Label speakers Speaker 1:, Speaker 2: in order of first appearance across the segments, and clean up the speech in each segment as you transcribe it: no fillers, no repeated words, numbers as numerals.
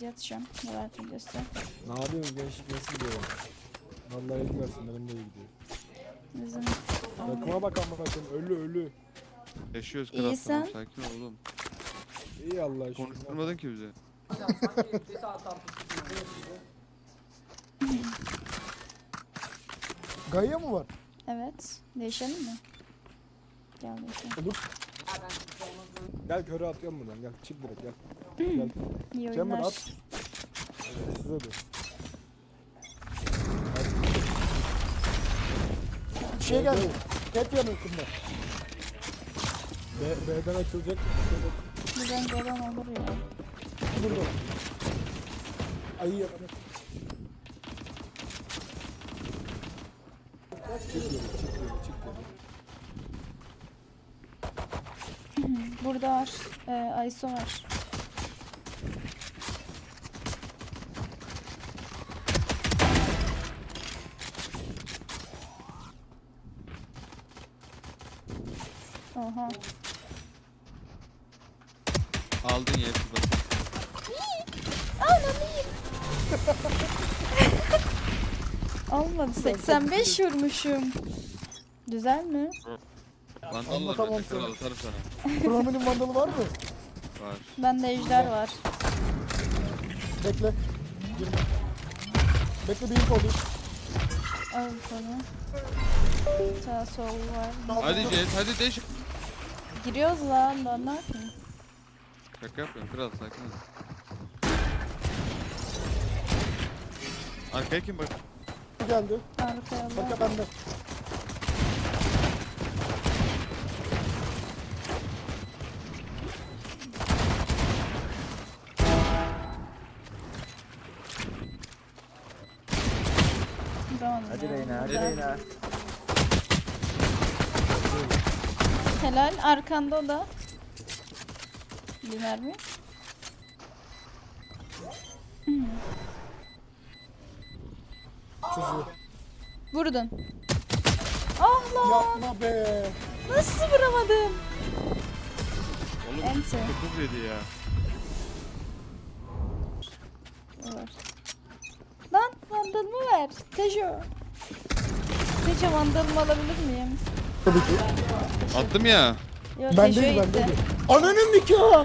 Speaker 1: atacağım. Neler videosu.
Speaker 2: Ne yapıyorsun gençlik nasıl gidiyor? Vallahi iyi versin benim de iyi gidiyor.
Speaker 1: Bizim
Speaker 2: Takıma bak ama bakın ölü.
Speaker 3: Yaşıyoruz
Speaker 1: İyi
Speaker 3: kral, tamam,
Speaker 1: sen?
Speaker 3: sakin ol oğlum.
Speaker 2: İyi Allah aşkına.
Speaker 3: Konuşturmadın ki bize.
Speaker 2: Gaia mı var?
Speaker 1: evet. Değişelim mi? Gel değişelim.
Speaker 2: Olur. Gel köre atıyorum buradan gel çık direkt gel. Gel.
Speaker 1: İyi
Speaker 2: Chamber
Speaker 1: oyunlar.
Speaker 2: at. Size de. Bir şey geldi. Hep yanıkında. B'den açılacak.
Speaker 1: Buradan gelen olur ya.
Speaker 2: Burada. Ayı yalanı. Çık yeri.
Speaker 1: Burada var. Ayso var. Oha.
Speaker 3: Aldın ya hepsi bak.
Speaker 1: Almadı. 85 vurmuşum. Güzel mi?
Speaker 3: Vandallar
Speaker 2: Anlatamam
Speaker 3: bende kral,
Speaker 2: sana.
Speaker 3: atarım sana.
Speaker 2: Kronominin vandalı var mı?
Speaker 3: Var.
Speaker 1: Bende ejder var.
Speaker 2: Bekle. Girme. Bekle bir info alayım.
Speaker 1: Al sana. Sağ sol var.
Speaker 3: Hadi Jet, hadi deş.
Speaker 1: Giriyoruz lan. Ben ne yapayım?
Speaker 3: Şaka yapıyorum kral, sakin ol. Arkaya kim bak?
Speaker 2: Geldi.
Speaker 1: Arkaya bak.
Speaker 2: Arka bende.
Speaker 1: Tamam.
Speaker 4: Hadi Reyna, hadi
Speaker 1: Güzel.
Speaker 4: Reyna.
Speaker 1: Helal. Arkanda o da. Biner mi?
Speaker 2: Çözüyor.
Speaker 1: Vurdun. Ah lan.
Speaker 2: Yapma be.
Speaker 1: Nasıl vuramadım?
Speaker 3: Oğlum
Speaker 1: Ente.
Speaker 3: 9 yedi ya.
Speaker 1: Var. Lan vandalımı ver. Tejo. Tejo vandalımı alabilir miyim?
Speaker 2: Tabii ki.
Speaker 3: Attım ya.
Speaker 1: Yok
Speaker 2: Ben
Speaker 1: Tejo'ya
Speaker 2: değil ben
Speaker 1: gitti.
Speaker 2: değil. Ananın nikahı.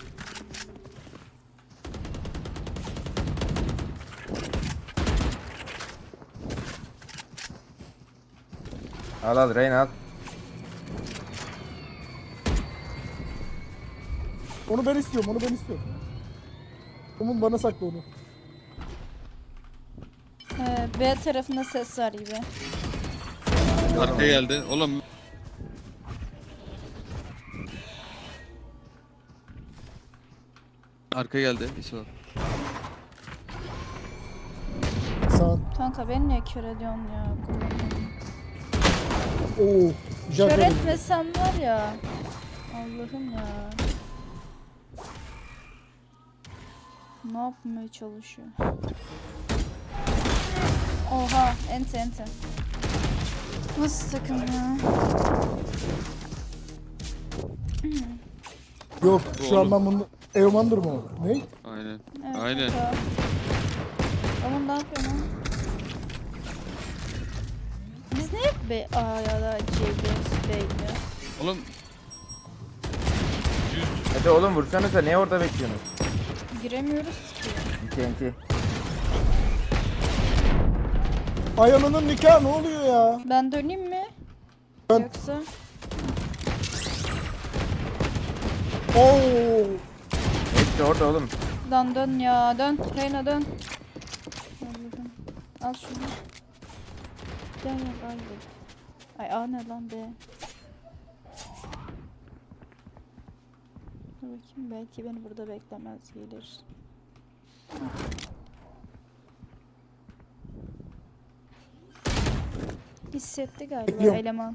Speaker 4: Al al Reyna al.
Speaker 2: Onu ben istiyorum. Onun bana sakla onu.
Speaker 1: B tarafında ses var gibi.
Speaker 3: Arkaya geldi. Oğlum. Arkaya geldi. İso.
Speaker 2: Sağ ol.
Speaker 1: Kanka beni niye kör ediyorsun ya?
Speaker 2: Oo. Güzel
Speaker 1: Kör
Speaker 2: dedim.
Speaker 1: etmesen var ya. Allah'ım ya. Ne yapmaya çalışıyor? Oha, ente. Nasıl takım ya?
Speaker 2: Yok
Speaker 3: Bu
Speaker 2: şu an
Speaker 3: oğlum.
Speaker 2: ben bunu... Eomandır mı o? Ne?
Speaker 3: Aynen.
Speaker 1: Evet,
Speaker 3: Aynen.
Speaker 1: kanka. Ama ne yapıyor lan? Biz niye B, A ya da C gidiyoruz, B gidiyoruz?
Speaker 3: Oğlum.
Speaker 4: Hadi oğlum vursanıza, ne orada bekliyorsunuz?
Speaker 1: Giremiyoruz ki.
Speaker 4: TNT.
Speaker 2: Ayağının nikahı ne oluyor ya?
Speaker 1: Ben döneyim mi?
Speaker 2: Ben-
Speaker 1: Yoksa?
Speaker 2: Oo.
Speaker 4: Hepsi orada oğlum.
Speaker 1: Lan dön ya, dön. Reyna dön. Allah'ım. Al şunu. Gel al. Ay A ne lan B? Dur bakayım, belki beni burada beklemez, gelir. Hissetti galiba
Speaker 2: Bekliyorum.
Speaker 1: eleman.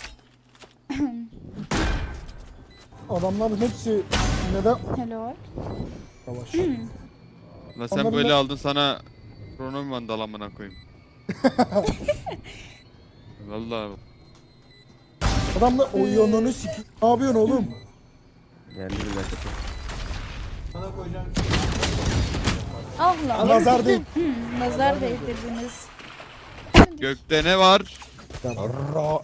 Speaker 2: Adamların hepsi neden
Speaker 1: Hello.
Speaker 2: yavaş?
Speaker 3: La sen
Speaker 2: Onların
Speaker 3: böyle
Speaker 2: da-
Speaker 3: aldın, sana kronom vandal amına koyayım. Vallahi.
Speaker 2: Adamlar o yanını siki. Ne yapıyorsun oğlum?
Speaker 4: Geldi bir dakika.
Speaker 1: Ah lan.
Speaker 2: Nazar değil.
Speaker 1: Nazar değdirdiniz.
Speaker 3: Gökte ne var?
Speaker 2: Ra.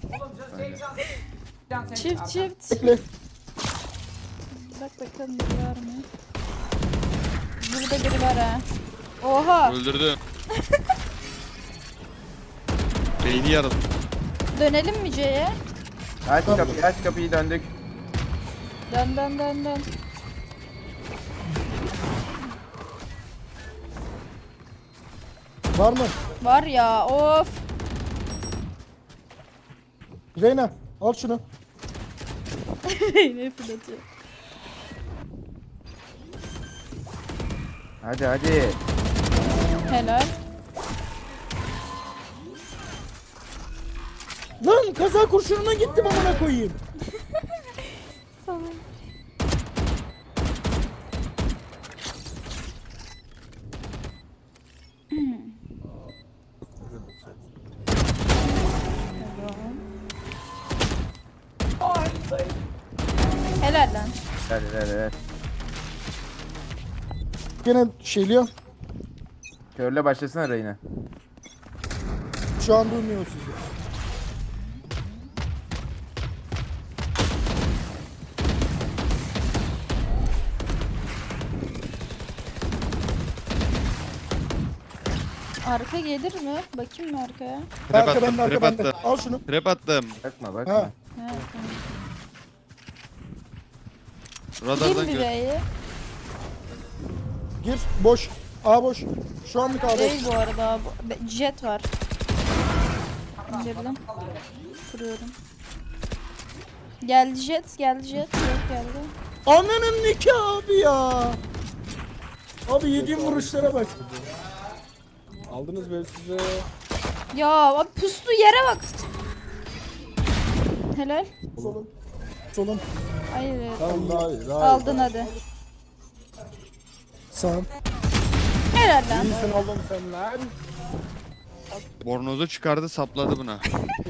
Speaker 1: Çift çift.
Speaker 2: Bekle.
Speaker 1: Bak bakalım biri var mı? Burada biri var ha. Oha.
Speaker 3: Öldürdüm. Beyni yarıldı.
Speaker 1: Dönelim mi C'ye?
Speaker 4: Aç kapıyı, aç kapıyı, döndük.
Speaker 1: Dön dön dön dön.
Speaker 2: Var mı?
Speaker 1: Var ya of.
Speaker 2: Reyna al şunu.
Speaker 1: Ne fırlatıyor.
Speaker 4: Hadi hadi.
Speaker 1: Helal.
Speaker 2: Lan kaza kurşununa gittim amına koyayım.
Speaker 1: Tamam. Helal lan.
Speaker 4: Hadi hadi hadi.
Speaker 2: Gene şeyliyor.
Speaker 4: Körle başlasana Reyna.
Speaker 2: Şu an duymuyor sizi.
Speaker 1: Arka gelir mi? Bakayım mı arkaya?
Speaker 3: Trap
Speaker 2: Arka
Speaker 3: attım,
Speaker 2: bende, arka
Speaker 3: trap
Speaker 2: bende.
Speaker 3: attım.
Speaker 2: Al şunu.
Speaker 3: Trap attım.
Speaker 4: Bakma
Speaker 2: Ha.
Speaker 4: bakma.
Speaker 1: Ha, tamam.
Speaker 3: Radardan
Speaker 1: Kim bir
Speaker 3: gör.
Speaker 1: B'yi?
Speaker 2: Gir. Boş. A boş. Şu anlık A boş.
Speaker 1: Değil bu arada. Jet var. İndirdim. Kuruyorum. Geldi jet, geldi jet. Jet geldi.
Speaker 2: Ananın nikahı abi ya. Abi yediğim vuruşlara bak. Aldınız böyle size.
Speaker 1: Ya abi pustu yere bak. Helal.
Speaker 2: Solun. Solun.
Speaker 1: Hayır.
Speaker 2: Tamam daha iyi. Daha iyi.
Speaker 1: Aldın hadi.
Speaker 2: Sağ.
Speaker 1: Helal lan.
Speaker 2: İyisin oğlum sen lan.
Speaker 3: Bornozu çıkardı sapladı buna.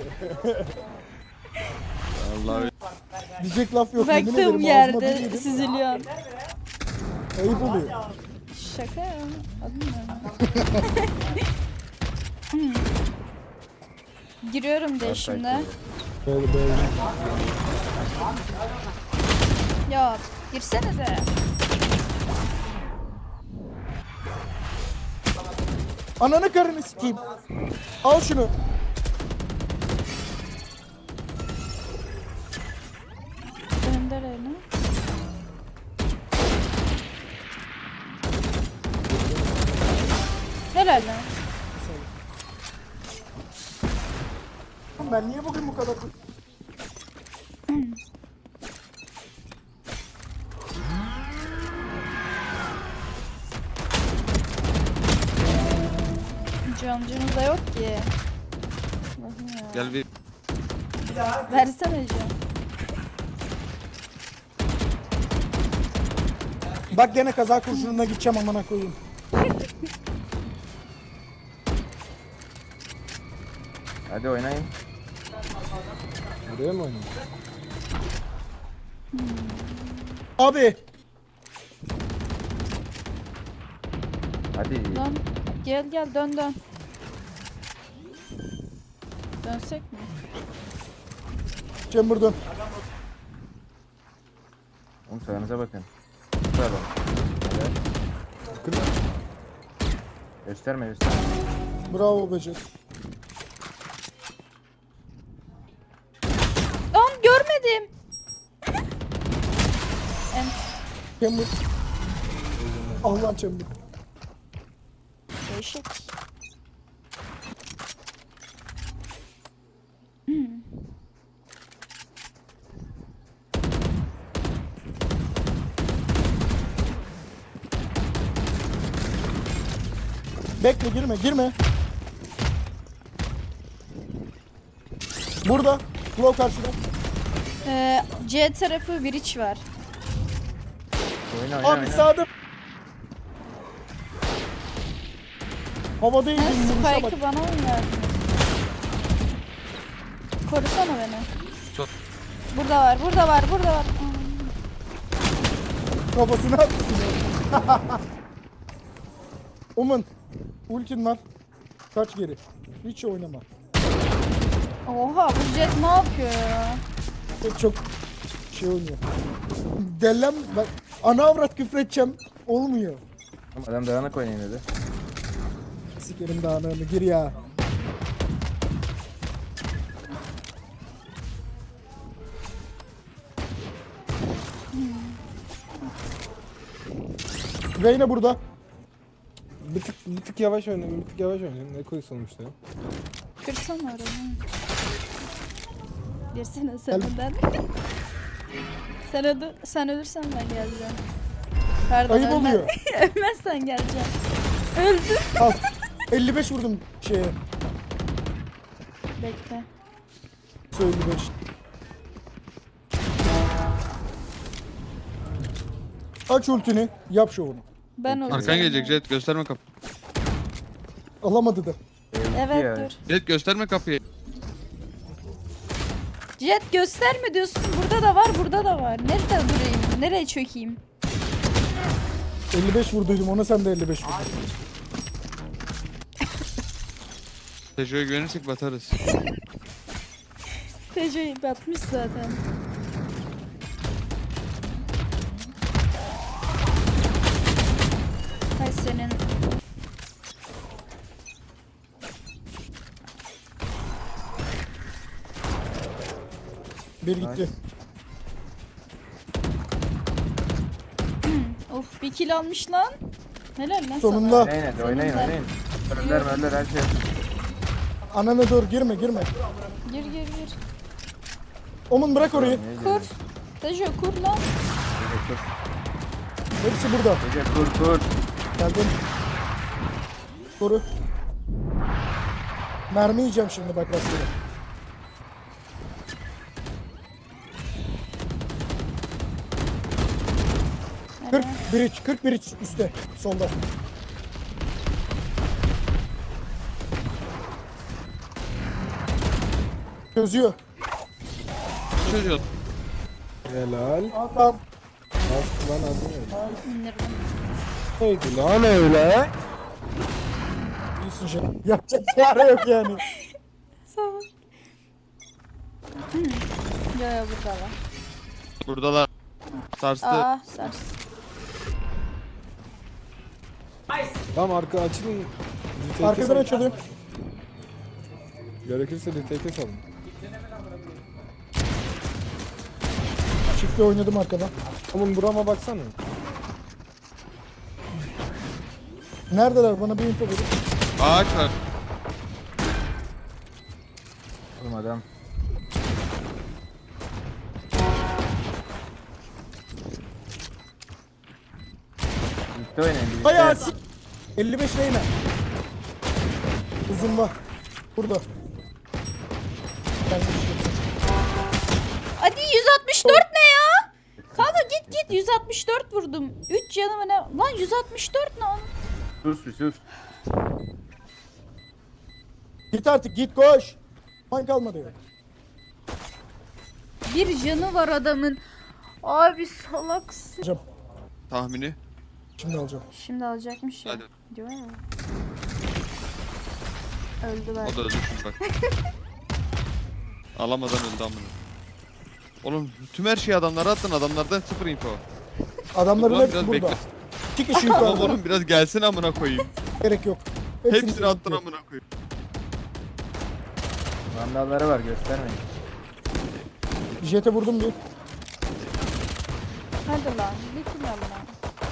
Speaker 3: Vallahi
Speaker 2: Diyecek laf yok. yemin ederim,
Speaker 1: Baktığım
Speaker 2: ağzıma bir
Speaker 1: yerde
Speaker 2: yedim.
Speaker 1: süzülüyor.
Speaker 2: Ayıp oluyor.
Speaker 1: Şaka ya. Adın ne? Giriyorum de şimdi.
Speaker 2: Böyle böyle.
Speaker 1: Ya girsene de.
Speaker 2: Ananı karını sikeyim. Al şunu.
Speaker 1: Gönder elini. Helal lan.
Speaker 2: Ben niye bugün bu kadar...
Speaker 1: Camcımız da yok ki. Allah'ım ya.
Speaker 3: gel bir
Speaker 1: Versene cam.
Speaker 2: Bak gene kaza kurşununa gideceğim amına koyayım.
Speaker 4: Hadi oynayın.
Speaker 2: Buraya mı oynayayım? Abi.
Speaker 4: Hadi.
Speaker 1: Lan gel gel dön dön. Dönsek mi?
Speaker 2: Chamber dön.
Speaker 4: Oğlum sağınıza bakın. Bravo. Evet. Gösterme gösterme.
Speaker 2: Bravo Becet.
Speaker 1: Lan görmedim. En
Speaker 2: Chamber. Allah Chamber.
Speaker 1: değişik.
Speaker 2: Bekle girme girme. Burada. Claw karşıda.
Speaker 1: C tarafı bir iç var.
Speaker 4: Oyna oyna
Speaker 2: Abi
Speaker 4: oyna.
Speaker 2: sağda. Havada
Speaker 1: Ha,
Speaker 2: indim vuruşa bak.
Speaker 1: Spike'ı bana mı verdin? Korusana beni.
Speaker 3: Tut.
Speaker 1: Burada var, burada var, burada var.
Speaker 2: Kafasına attı. Omen. Ultin var. Kaç geri. Hiç oynama.
Speaker 1: Oha bu Jet ne yapıyor ya?
Speaker 2: Çok şey oynuyor. Dellem bak ana avrat küfür edeceğim. Olmuyor.
Speaker 4: Oğlum adam dağınık oynayın dedi.
Speaker 2: Sikerim dağınığını gir ya. Reyna burada. Bir tık yavaş oynayın, bir tık yavaş oynayın. Ne koy sonuçta ya?
Speaker 1: Kırsana oranı. Girsene
Speaker 2: Gel.
Speaker 1: sen önden. Sen ölürsen ben geleceğim. Pardon,
Speaker 2: Ayıp oluyor.
Speaker 1: Ölmezsen geleceğim. Öldüm.
Speaker 2: Al. 55 vurdum şeye.
Speaker 1: Bekle.
Speaker 2: 55. Aç ultini, yap şovunu.
Speaker 1: Ben olacağım.
Speaker 3: Arkan gelecek Jet, gösterme kapı.
Speaker 2: Alamadı da.
Speaker 1: Evet
Speaker 4: Ya.
Speaker 1: dur.
Speaker 3: Jet gösterme kapıyı.
Speaker 1: Jet gösterme diyorsun. Burada da var, burada da var. Nerede durayım? Nereye çökeyim?
Speaker 2: 55 vurduydum ona, sen de 55 vurdun.
Speaker 3: Tejo'ya güvenirsek batarız.
Speaker 1: Tejo'yu batmış zaten. Hay senin.
Speaker 2: Bir gitti.
Speaker 1: Of bir kill almış lan. Helal lan
Speaker 2: Sonunda.
Speaker 1: sana.
Speaker 4: Oynayın hadi oynayın
Speaker 1: Sonunda.
Speaker 4: oynayın. Öller her şey.
Speaker 2: Anana dur, girme.
Speaker 1: Gir gir gir.
Speaker 2: Omun bırak orayı.
Speaker 4: Niye
Speaker 1: Kur.
Speaker 4: geliyorsun?
Speaker 1: Tejo kur lan.
Speaker 4: Gece kur.
Speaker 2: Hepsi burada.
Speaker 4: Gece kur.
Speaker 2: Geldim. Koru. Mermi yiyeceğim şimdi bak rastgele.
Speaker 1: Helal.
Speaker 2: 40 bridge üstte, solda. Çözüyor.
Speaker 3: Çocuğu.
Speaker 2: Helal. Tamam. Bastı lan adı
Speaker 1: İndirdim.
Speaker 2: neydi lan öyle? İyisin şey. Yapacak çare yok yani.
Speaker 1: Sağ ol. Yo yo burada var.
Speaker 3: Buradalar. Sarstı.
Speaker 1: Aa sars.
Speaker 2: Tamam arka açılın. Arkadan açılıyor. Gerekirse retake'e salın. Çiftle oynadım arkadan. Oğlum burama baksana. Neredeler? Bana bir info verin.
Speaker 3: Ağaç var.
Speaker 4: Oğlum adam. Birlikte oynayın birlikte.
Speaker 2: Bayağı 55 Reyna. Uzun var. Burada. Gelmiş.
Speaker 1: Hadi 164 ne ya? Kanka git 164 vurdum. 3 canımı ne? Lan 164 ne lan?
Speaker 4: Sus bir sus.
Speaker 2: Git artık git koş. Man kalmadı ya.
Speaker 1: Bir canı var adamın. Abi salaksın.
Speaker 2: Alacağım.
Speaker 3: Tahmini.
Speaker 2: Şimdi alacağım.
Speaker 1: Şimdi alacakmış ya.
Speaker 3: Hadi.
Speaker 1: Diyor ya. Öldü ben.
Speaker 3: O da öldü şimdi bak. Alamadan öldü amına. Oğlum tüm her şeyi adamlara attın, adamlardan sıfır info.
Speaker 2: Adamların
Speaker 3: Ulan
Speaker 2: hepsi
Speaker 3: biraz
Speaker 2: burada.
Speaker 3: bekle.
Speaker 2: 2 kişi
Speaker 3: Tamam
Speaker 2: yukarıda.
Speaker 3: oğlum biraz gelsin amına koyayım.
Speaker 2: Gerek yok.
Speaker 3: Hepsini attın amına koyayım.
Speaker 4: Vandalları var göstermeyin.
Speaker 2: Jet'e vurdum bir.
Speaker 1: Hadi lan. Bir kill al lan.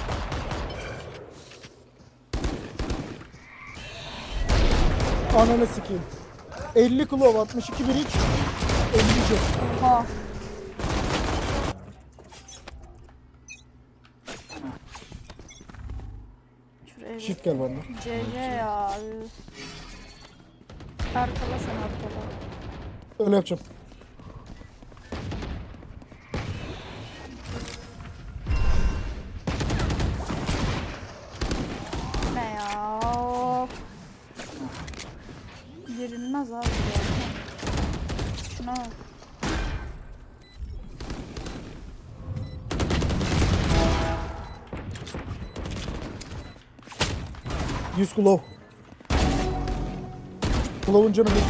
Speaker 2: Ananı sikeyim. 50 kilo 62 bir iç. 50 jet.
Speaker 1: Oha. Şuraya bir
Speaker 2: Shift gel bana.
Speaker 1: CC ya. üf. Arkala sen arkala.
Speaker 2: Öyle yapacağım.
Speaker 1: Ne ya? Of. Girilmez abi ya. Şuna bak.
Speaker 2: 100 Claw. Claw'un canı bir.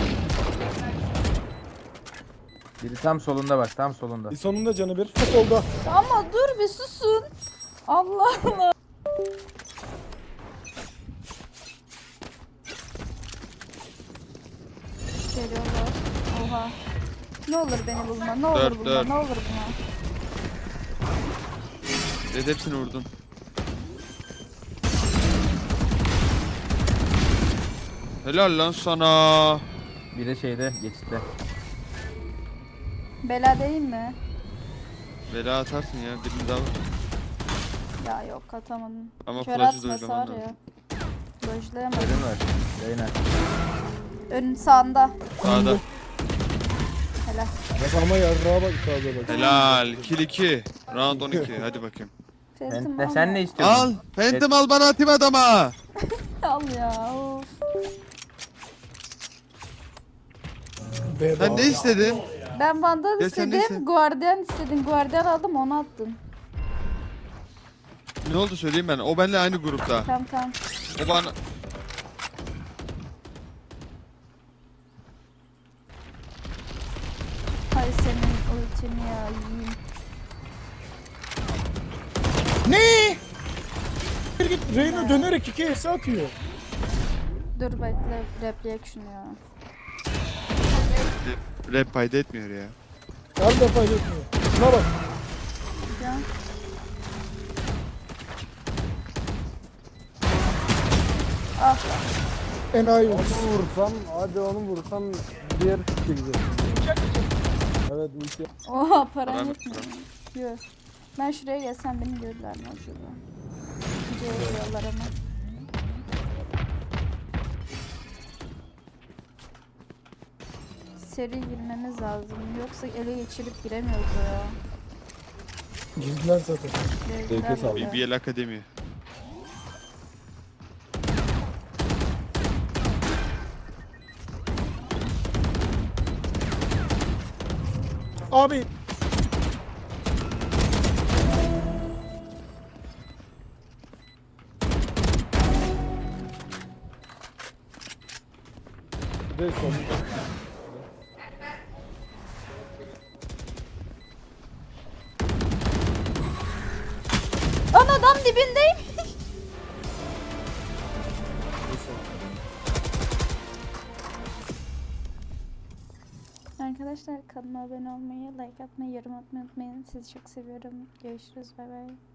Speaker 4: Biri tam solunda bak, tam solunda.
Speaker 2: Sonunda canı bir. Solda.
Speaker 1: Ama dur bir susun. Allah Allah. Geliyorlar. Oha. Ne olur beni bulma. Ne olur
Speaker 3: Dört,
Speaker 1: bulma.
Speaker 3: dört.
Speaker 1: Ne olur bulma.
Speaker 3: Evet, hepsini vurdun. Helal lan sana.
Speaker 4: Biri şeyde, geçitte.
Speaker 1: Bela değil mi?
Speaker 3: Bela atarsın ya, birini daha vur.
Speaker 1: Ya yok atamadım.
Speaker 3: Ama
Speaker 1: Kör
Speaker 3: flash'ı
Speaker 1: atması
Speaker 3: dojlaman
Speaker 1: var
Speaker 3: lazım.
Speaker 1: ya. Dojlayamadım.
Speaker 4: Öyle var. Reyna.
Speaker 1: Önün sağında.
Speaker 3: Sağda.
Speaker 1: Helal.
Speaker 2: Ama yarrağa bak yukarıda bak.
Speaker 3: Helal. Kill 2. Round 12. Hadi bakayım.
Speaker 1: Phantom
Speaker 4: Sen,
Speaker 1: al
Speaker 4: sen
Speaker 1: ya.
Speaker 4: ne istiyorsun?
Speaker 3: Al. Phantom al, bana atayım adama.
Speaker 1: Al ya. Of.
Speaker 2: Bedava.
Speaker 3: Sen ne istedin?
Speaker 1: Ben Vandal
Speaker 3: Ya sen neyse.
Speaker 1: istedim. Guardian istedim. Guardian aldım onu attın.
Speaker 3: Ne oldu söyleyeyim ben. O benimle aynı grupta.
Speaker 1: Tamam tamam.
Speaker 3: O bana...
Speaker 1: Hay senin ultini ya yiyeyim.
Speaker 2: Ne? Bir git Reyna dönerek 2 ES atıyor.
Speaker 1: Dur bekle replay şunu ya.
Speaker 3: Rap payda etmiyor ya.
Speaker 2: Her defa yetmiyor. Şuna bak.
Speaker 1: Ya. Ah
Speaker 2: Enayi oldu.
Speaker 5: Vursam, hadi onu vursam diğer fikir gidiyor. Evet, ulti.
Speaker 1: oha param
Speaker 3: Param
Speaker 1: yetmiyor. Yok. Ben şuraya gelsem beni görürler mi acaba? C'ye giriyorlar ama. Seri girmemiz lazım. Yoksa ele geçirip giremiyoruz ya.
Speaker 2: Girdiler zaten.
Speaker 1: Girdiler
Speaker 5: sağ ol.
Speaker 1: bile.
Speaker 3: BBL Akademi.
Speaker 2: Abi.
Speaker 5: Bir de son.
Speaker 1: Lan adam dibindeyim. Arkadaşlar kanalıma abone olmayı, like atmayı, yorum atmayı unutmayın. Sizi çok seviyorum. Görüşürüz. Bay bay.